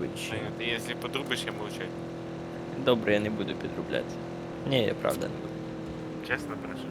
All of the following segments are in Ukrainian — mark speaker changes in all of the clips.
Speaker 1: будь-що.
Speaker 2: Саня, ты если подрубишь, я молчать.
Speaker 1: Добре, я не буду підробляти. Ні, я правда не буду.
Speaker 2: Честно прошу.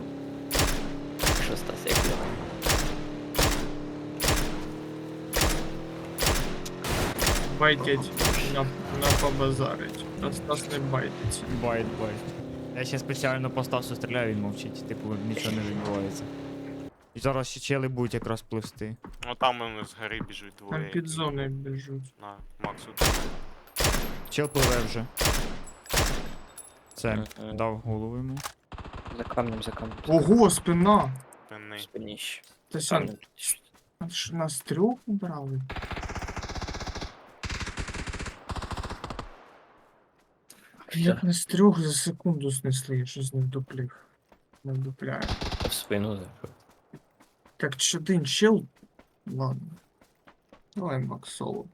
Speaker 1: Що Стас, як я?
Speaker 3: Байтять на побазарить. Та Стас не байтиться.
Speaker 4: Байт. Я ще спеціально по Стасу стріляю, він мовчить, типу нічого не відбувається. І зараз ще чели будуть якраз пливсти.
Speaker 2: Ну там он с горы бежит
Speaker 3: Там
Speaker 2: двое.
Speaker 3: під зоною біжуть.
Speaker 2: На, Максу.
Speaker 4: Чел пливе вже. Це,
Speaker 1: Мгм.
Speaker 4: дав голову йому.
Speaker 1: За камнем, за камнем.
Speaker 3: Ого, спина!
Speaker 2: Спинний.
Speaker 1: Спиніще.
Speaker 3: Та сян,
Speaker 1: Камнем.
Speaker 3: нас трьох убрали? Як нас трьох за секунду снесли, я щось не вдуплів. Не вдупляю.
Speaker 1: В спину заходить.
Speaker 3: Так, чи один чел? Ладно. Давай Макс соло.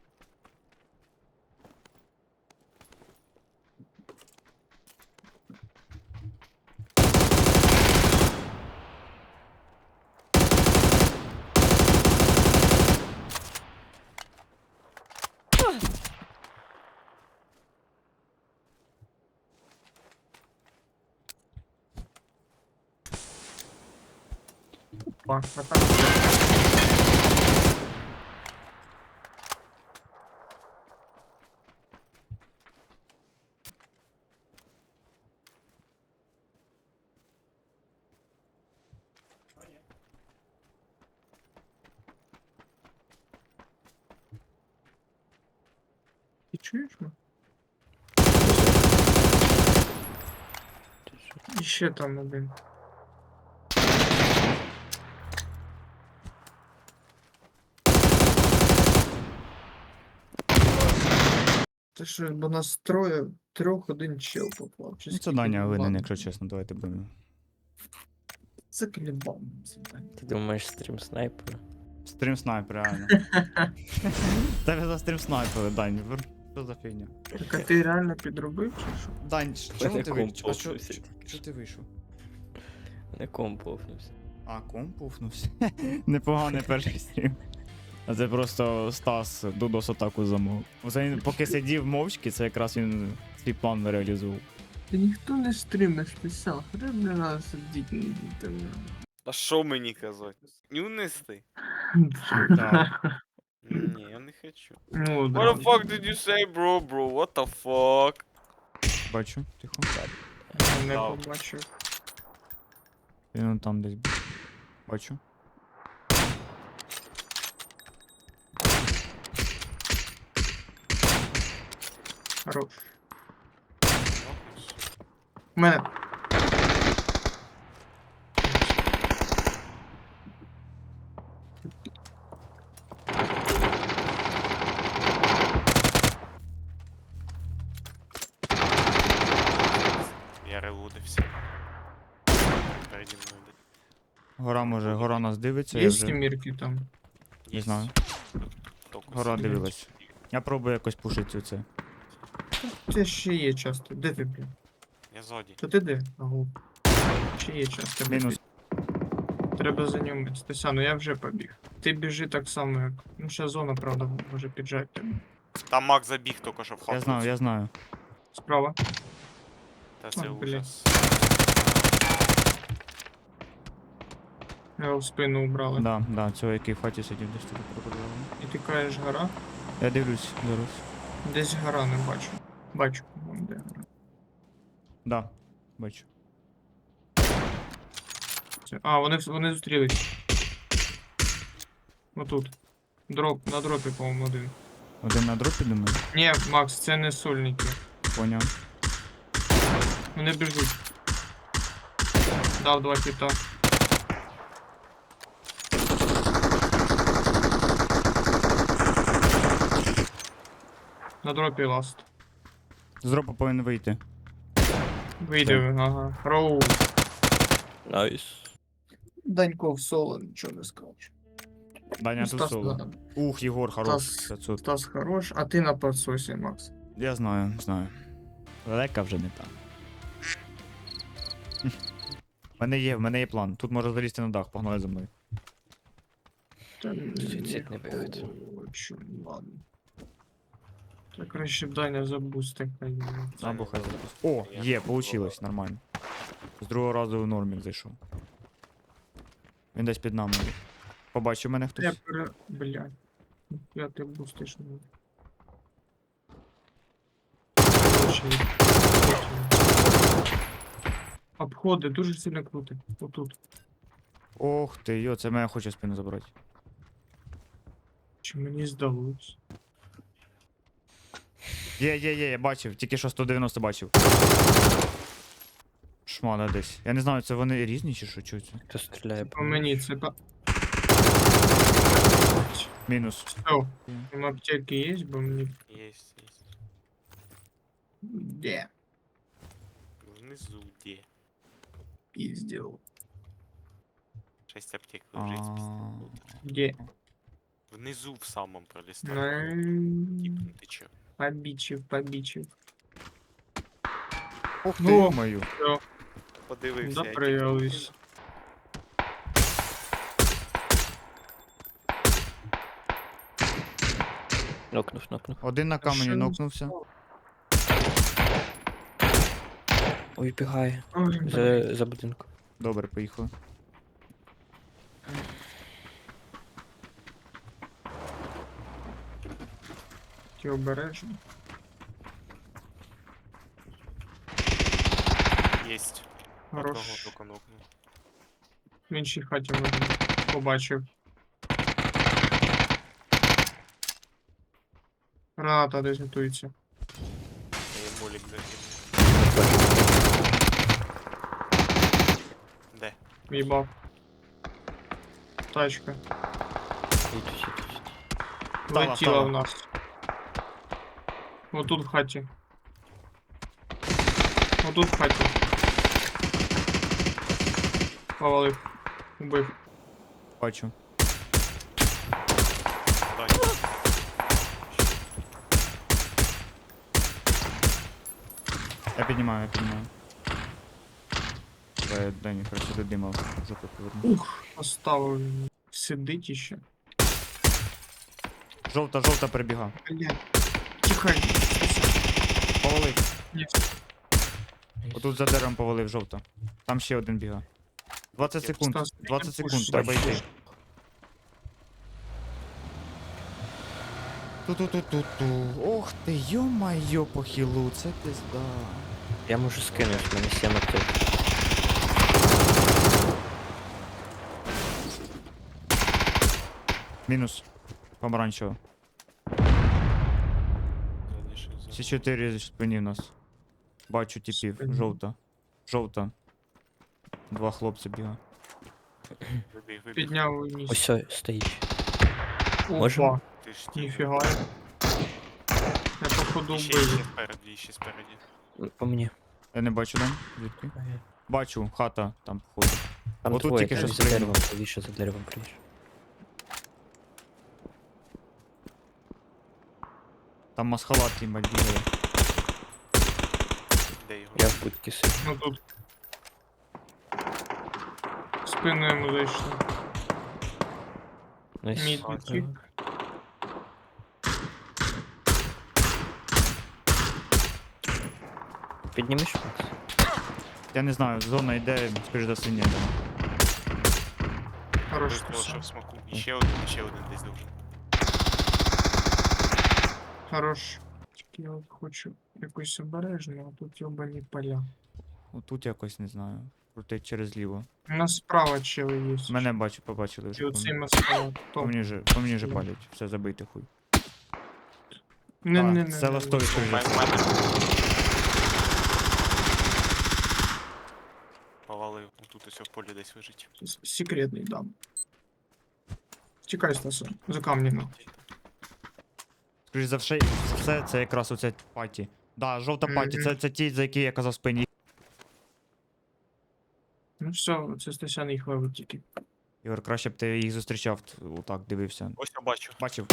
Speaker 3: Пак, атака. Ти чуєш мене? І ще там один. Це що, бо нас троє, трьох один чел попав. Чи
Speaker 4: Ну це
Speaker 3: скільки
Speaker 4: Даня
Speaker 3: було?
Speaker 4: винен,
Speaker 3: Ладно.
Speaker 4: якщо чесно, давайте будемо.
Speaker 3: Це клібан. Це Даня.
Speaker 1: Ти думаєш стрім снайпера?
Speaker 4: Стрім снайпер, реально. Тебе за стрім снайпери, Дань. Що за фігня?
Speaker 3: Так а ти реально підробив чи що?
Speaker 4: Дань, чого ти
Speaker 1: комп
Speaker 4: вийшов? А що
Speaker 1: повнився тільки
Speaker 4: ти вийшов?
Speaker 1: Не комп повнився.
Speaker 4: А, комп пуфнувся. Непоганий перший стрім. А це просто Стас Дудос атаку замов. Оце він поки сидів мовчки, це якраз він свій план реалізував.
Speaker 3: Та ніхто не стримиш писав, хай для нас сидіть на інтернеті.
Speaker 2: А що мені казати? Нюнистий?
Speaker 4: Так.
Speaker 2: Ні, я не хочу.
Speaker 3: Ну,
Speaker 2: What
Speaker 3: да.
Speaker 2: the fuck did you say, bro? What the fuck?
Speaker 4: Бачу, тихо.
Speaker 3: Я не
Speaker 2: Дав.
Speaker 3: побачив.
Speaker 4: Він он там десь був. Бачу.
Speaker 3: Хорош. У мене.
Speaker 2: Я релудився. Переді мною.
Speaker 4: Гора може, гора нас дивиться, я
Speaker 3: Є
Speaker 4: вже
Speaker 3: сімірки там?
Speaker 4: не знаю.
Speaker 2: Тільки
Speaker 4: Гора
Speaker 2: сидить.
Speaker 4: дивилась. Я пробую якось пушити це.
Speaker 3: Це ще є часто. Де ти, блін?
Speaker 2: Я ззаді.
Speaker 3: То ти де? Ага. Ще є часто.
Speaker 4: Мінус.
Speaker 3: Треба за ним. Стася, ну я вже побіг. Ти біжи так само, як. Ну, ще зона, правда, може піджати тебе.
Speaker 2: Там Мак забіг тільки що в хату.
Speaker 4: Я знаю.
Speaker 3: Справа.
Speaker 2: Та це
Speaker 3: Ой, блін.
Speaker 2: ужас.
Speaker 3: Його в спину убрали.
Speaker 4: Да, цього який в хаті сидів десь тут пропадало.
Speaker 3: І ти кажеш гора?
Speaker 4: Я дивлюсь зараз.
Speaker 3: Десь гора не бачу. Бачу, вон де гора.
Speaker 4: Да, бачу.
Speaker 3: А, вони зустрілись. Отут. Дроп, на дропі, по-моєму, один.
Speaker 4: Один на дропі думаю.
Speaker 3: Ні, Макс, це не сольники.
Speaker 4: Поняв.
Speaker 3: Вони біжуть. Дав два хіта. На дропі ласт.
Speaker 4: З дропа повинен вийти.
Speaker 3: Вийде, ага. Роу.
Speaker 1: Найс.
Speaker 3: Данько в соло, нічого не скажу.
Speaker 4: Даня тут соло. Ух, Єгор, хорош.
Speaker 3: Стас.
Speaker 4: 500.
Speaker 3: Стас хорош, а ти на подсосі, Макс.
Speaker 4: Я знаю. Лека вже не там. В мене є план. Тут можна залізти на дах, погнали за мною.
Speaker 3: Та
Speaker 1: Суїцидний вихід.
Speaker 3: хочу, ладно. Так краще б Даня забусти. хай.
Speaker 4: Або хай запуск. О, є, получилось, нормально. З другого разу в нормік зайшов. Він десь під нами. Побачив мене
Speaker 3: Я
Speaker 4: хтось?
Speaker 3: Блядь. Я ти бустиш. ну. Очі. Обходи дуже сильно круто. Отут.
Speaker 4: Ох ти, йо, це мене хоче спину забрати.
Speaker 3: Чи мені здалось?
Speaker 4: Є, я бачив, тільки що 190 бачив. Шмана десь. Я не знаю, це вони різні чи що, чого це?
Speaker 1: Хто стріляє?
Speaker 3: По мені це по...
Speaker 4: Мінус.
Speaker 3: Все. Там аптеки є, бо мені...
Speaker 2: Есть, есть.
Speaker 3: Де?
Speaker 2: Внизу где?
Speaker 3: Пізділ.
Speaker 2: 6 аптек лежить.
Speaker 4: А,
Speaker 3: Де?
Speaker 2: Внизу в самом пролистал.
Speaker 3: Ну,
Speaker 2: Ты чё?
Speaker 3: побічив.
Speaker 4: Ох ти,
Speaker 3: Ну.
Speaker 4: мою.
Speaker 3: Все,
Speaker 2: Подивився. який
Speaker 3: допрыгались.
Speaker 1: Нокнув.
Speaker 4: Один на камені
Speaker 3: Що?
Speaker 4: нокнувся.
Speaker 1: Ой, бігає.
Speaker 3: Ой, блядь.
Speaker 1: За будинком.
Speaker 4: Добре, поїхали.
Speaker 3: Ті обережно.
Speaker 2: Есть.
Speaker 3: Хорош.
Speaker 2: Одного только нокнув.
Speaker 3: В іншій хаті можна. Побачив. Граната десь готується.
Speaker 2: Я молік закинув. Де?
Speaker 3: В'їбав. Тачка.
Speaker 1: Їдуть.
Speaker 4: Встала,
Speaker 3: Летіла
Speaker 4: встала.
Speaker 3: в нас. Отут в хаті. Отут в хаті. Повалив. Убив.
Speaker 4: Бачу.
Speaker 2: Дай.
Speaker 4: Я піднімаю. Дані, краще до дима жопу поверну.
Speaker 3: Оставив. Сидить іще.
Speaker 4: Жовта перебіга.
Speaker 3: Блядь. Тихай.
Speaker 4: Повалив.
Speaker 3: Ні.
Speaker 4: Отут за деревом повалив жовта. Там ще один біга. 20 секунд.
Speaker 3: Стас,
Speaker 4: 20
Speaker 3: пуш,
Speaker 4: секунд, треба
Speaker 1: бачу.
Speaker 4: йти. Ту-ту-ту-ту-ту. Ох ти, йо-майо, по хілу, це пизда.
Speaker 1: Я можу скинути, в мене 7 аптек.
Speaker 4: Мінус. Помаранчево.
Speaker 2: Залишив за-
Speaker 4: Всі 4 спині в нас. Бачу типів.
Speaker 3: Спині.
Speaker 4: Жовта. Два хлопці біга.
Speaker 2: Вибіг.
Speaker 3: Підняв вниз.
Speaker 1: Ось ой, стоїть.
Speaker 3: Опа.
Speaker 1: можемо?
Speaker 2: Ти ж ті.
Speaker 3: Ніфіга. Я походу
Speaker 2: Ще
Speaker 3: вбив.
Speaker 2: спереді.
Speaker 1: По мені.
Speaker 4: Я не бачу, Дань. Звідки? Бачу, хата там походу.
Speaker 1: Там
Speaker 4: Отут
Speaker 1: двоє,
Speaker 4: тільки
Speaker 1: там
Speaker 4: що
Speaker 1: за
Speaker 4: спригнув.
Speaker 1: деревом, правіше за деревом правіше.
Speaker 4: Там масхалат їбать бігає.
Speaker 2: Де його?
Speaker 1: Я в будці сидю.
Speaker 3: Ну тут. В спину йому зайшли.
Speaker 1: Найс.
Speaker 3: Мід
Speaker 2: ага.
Speaker 3: утік.
Speaker 1: Піднімеш Макс?
Speaker 4: Я не знаю, зона йде, скоріш за все, ні.
Speaker 3: Хорош
Speaker 2: Випло, що
Speaker 3: списав.
Speaker 2: в смаку. І ще один десь должен.
Speaker 3: Хорош. Тільки я от хочу якусь обережну, а тут йобані поля.
Speaker 4: Отут якось не знаю. Крутить через ліво.
Speaker 3: У нас справа чили є.
Speaker 4: Мене побачили
Speaker 3: І
Speaker 4: вже.
Speaker 3: оцей маскалат.
Speaker 4: По
Speaker 3: Топ.
Speaker 4: мені же палять. Все забийте хуй.
Speaker 3: Не.
Speaker 4: Це ластовий
Speaker 2: У
Speaker 4: скоріш за все.
Speaker 2: мене. Повалив. Тут ось в полі десь лежить.
Speaker 3: Секретний дам. Тікай, Стаса. За камнями.
Speaker 4: Скоріш за все, це якраз оця паті. Да, жовта паті,
Speaker 3: Мгм.
Speaker 4: це ті, за які я казав спині.
Speaker 3: Ну все, це Стасян їх ловить тільки.
Speaker 4: Ігор, краще б ти їх зустрічав, отак дивився.
Speaker 2: Ось я бачу.
Speaker 4: Бачив.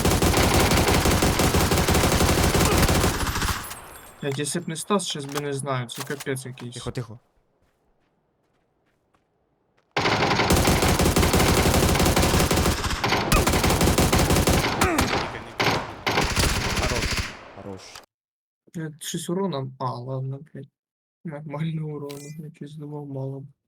Speaker 3: Блядь, якщо б не Стас, щас би не знаю, це капець якийсь.
Speaker 4: Тихо.
Speaker 2: Тільки не
Speaker 4: Хорош. Хорош.
Speaker 3: Щось урона. А, ладно, блядь. Нормально урона. Я щось думав мало.